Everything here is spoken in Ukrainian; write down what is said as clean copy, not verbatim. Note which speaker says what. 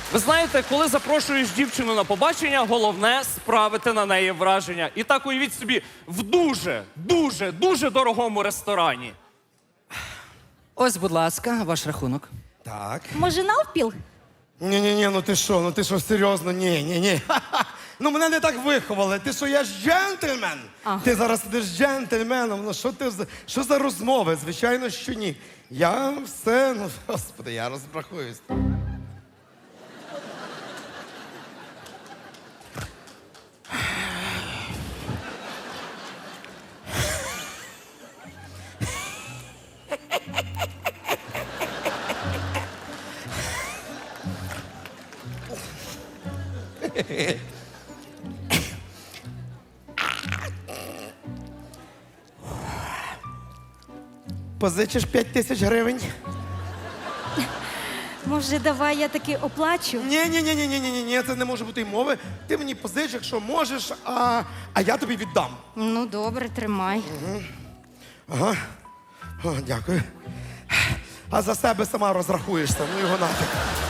Speaker 1: Ви знаєте, коли запрошуєш дівчину на побачення, головне справити на неї враження. І так уявіть собі, в дуже дорогому ресторані.
Speaker 2: Ось, будь ласка, ваш рахунок.
Speaker 3: Так.
Speaker 4: Може, навпіл?
Speaker 3: Ні, ну ти що, серйозно? Ні. Ну мене не так виховали. Ти що, я ж джентльмен?
Speaker 4: Ага.
Speaker 3: Ти зараз сидиш джентльменом. Ну що за розмови? Звичайно, що ні. Я все, ну, господи, я розрахуюсь. Позичиш 5000 гривень?
Speaker 4: Може, давай я таки оплачу?
Speaker 3: Ні, це не може бути й мови. Ти мені позич, якщо можеш, а я тобі віддам.
Speaker 4: Ну, добре, тримай.
Speaker 3: Ага. О, дякую. А за себе сама розрахуєшся, ну його нафіг.